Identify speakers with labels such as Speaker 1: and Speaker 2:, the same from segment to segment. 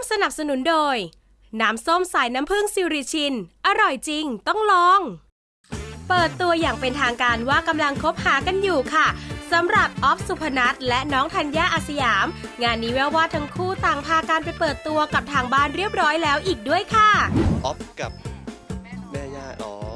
Speaker 1: สนับสนุนโดยน้ำส้มสายน้ำผึ้งซิริชินอร่อยจริงต้องลองเปิดตัวอย่างเป็นทางการว่ากำลังคบหากันอยู่ค่ะสำหรับออฟสุพนัทและน้องธัญญาอาสยามงานนี้แววว่าทั้งคู่ต่างพากันไปเปิดตัวกับทางบ้านเรียบร้อยแล้วอีกด้วยค่ะ
Speaker 2: ออฟกับแม่ย่า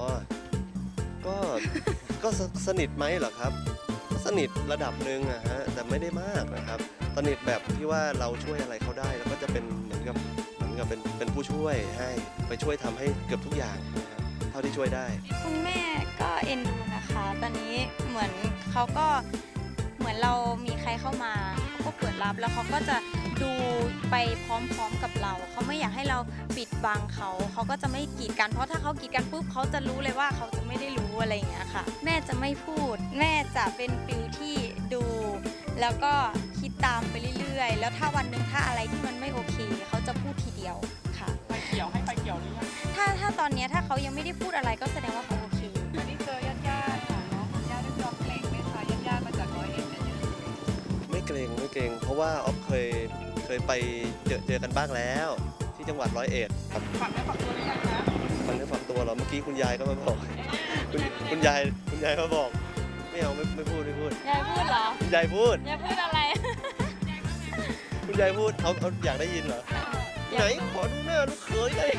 Speaker 2: ก็สนิทไหมเหรอครับสนิทระดับหนึ่งอะฮะแต่ไม่ได้มากนะครับสนิทแบบที่ว่าเราช่วยอะไรเขาได้แล้วก็จะเป็นเหมือนกับเป็นผู้ช่วยให้ไปช่วยทำให้เกือบทุกอย่างนะครับเท่าที่ช่วยได้
Speaker 3: คุณแม่ก็เอ็นดูนะคะตอนนี้เหมือนเขาก็เหมือนเรามีใครเข้ามาเขาก็เปิดรับแล้วเขาก็จะดูไปพร้อมๆกับเราเขาไม่อยากให้เราปิดบังเขาก็จะไม่กีดกันเพราะถ้าเขากีดกันปุ๊บเขาจะรู้เลยว่าเขาจะไม่ได้รู้อะไรอย่างเงี้ยค่ะแม่จะไม่พูดแม่จะเป็นฟิลที่ดูแล้วก็คิดตามไปเรื่อยๆแล้วถ้าวันหนึ่งถ้าอะไรที่มันไม่โอเคเขาจะพูดทีเดียวค่ะ
Speaker 4: ไฟเขียวให้ไฟเขียวหรือยัง
Speaker 3: ถ้าตอนนี้ถ้าเขายังไม่ได้พูดอะไรก็แสดงว่าเขาโอเค
Speaker 4: วันนี้เจอญาติค่ะเนาะญาติยอมเกรงไหมคะญาติมาจาก101เนี่ย
Speaker 2: ไม่เกรงเพราะว่าออฟเคยไปเจอกันบ้างแล้วที่จังหวัด101ครับ
Speaker 4: ฝักได้ฝักตัวหรือยังคะ
Speaker 2: ฝักได้ฝักตัวเหรอเมื่อกี้คุณยายก็มาบอกคุณยายมาบอกไม่เอาไม่พูด
Speaker 3: ยายพูดเหรอ
Speaker 2: คุณยายพูด
Speaker 3: อะไร
Speaker 2: คุณยายพูดเอาอยากได้ยินเหรอไหนขอดูหน้าลูกเขยได้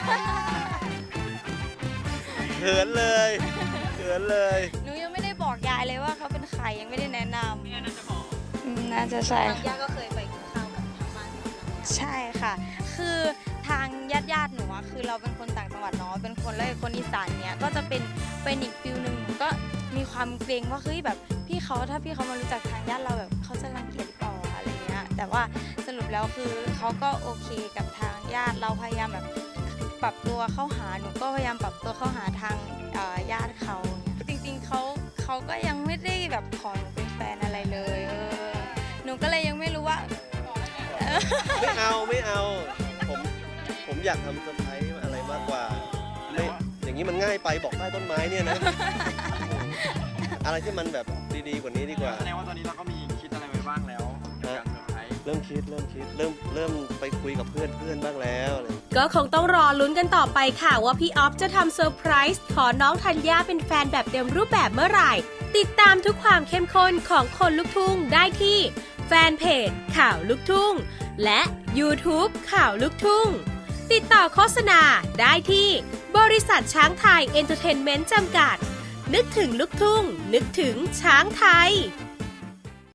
Speaker 2: เขินเลย
Speaker 3: หนูยังไม่ได้บอกยายเลยว่าเขาเป็นใครยังไม่ได้แนะนำ
Speaker 4: เนี่ยน่าจะบอก
Speaker 3: น่าจะใช่
Speaker 5: ย่าก็เคยไปกินข้าวกับทางบ้าน
Speaker 3: ใช่ค่ะคือทางญาติหนูคือเราเป็นคนต่างจังหวัดเนาะเป็นคนและคนอีสานเนี้ยก็จะเป็นอีกฟิลนึงหนูก็มีความเกรงว่าเฮ้ยแบบถ้าพี่เขามารู้จักทางญาติเราแบบเขาจะรังเกียจหรือเปล่าอะไรเงี้ยแต่ว่าสรุปแล้วคือเขาก็โอเคกับทางญาติเราพยายามแบบปรับตัวเข้าหาหนูก็พยายามปรับตัวเข้าหาทางญาติเขาจริงๆเขาก็ยังไม่ได้แบบขอหนูเป็นแฟนอะไรเลยหนูก็เลยยังไม่รู้ว่า
Speaker 2: ไม่เอาผมอยากทำเซอร์ไพรส์อะไรมากกว่าไม่อย่างนี้มันง่ายไปบอกใต้ต้นไม้เนี่ยนะอะไรที่มันแบบดีๆกว่านี้ดีกว่า
Speaker 4: แสดงว่าตอนนี้เราก็มีคิดอะไรไว้บ้างแล้วการเซอร์ไพรส์
Speaker 2: เริ่มคิดเริ่มไปคุยกับเพื่อนบ้างแล้ว
Speaker 1: ก็คงต้องรอลุ้นกันต่อไปค่ะว่าพี่ออฟจะทำเซอร์ไพรส์ขอน้องธัญญาเป็นแฟนแบบเต็มรูปแบบเมื่อไหร่ติดตามทุกความเข้มข้นของคนลุกทุ่งได้ที่แฟนเพจข่าวลุกทุ่งและ YouTube ข่าวลุกทุ่งติดต่อโฆษณาได้ที่บริษัทช้างไทยเอนเตอร์เทนเมนต์จำกัดนึกถึงลุกทุ่งนึกถึงช้างไทย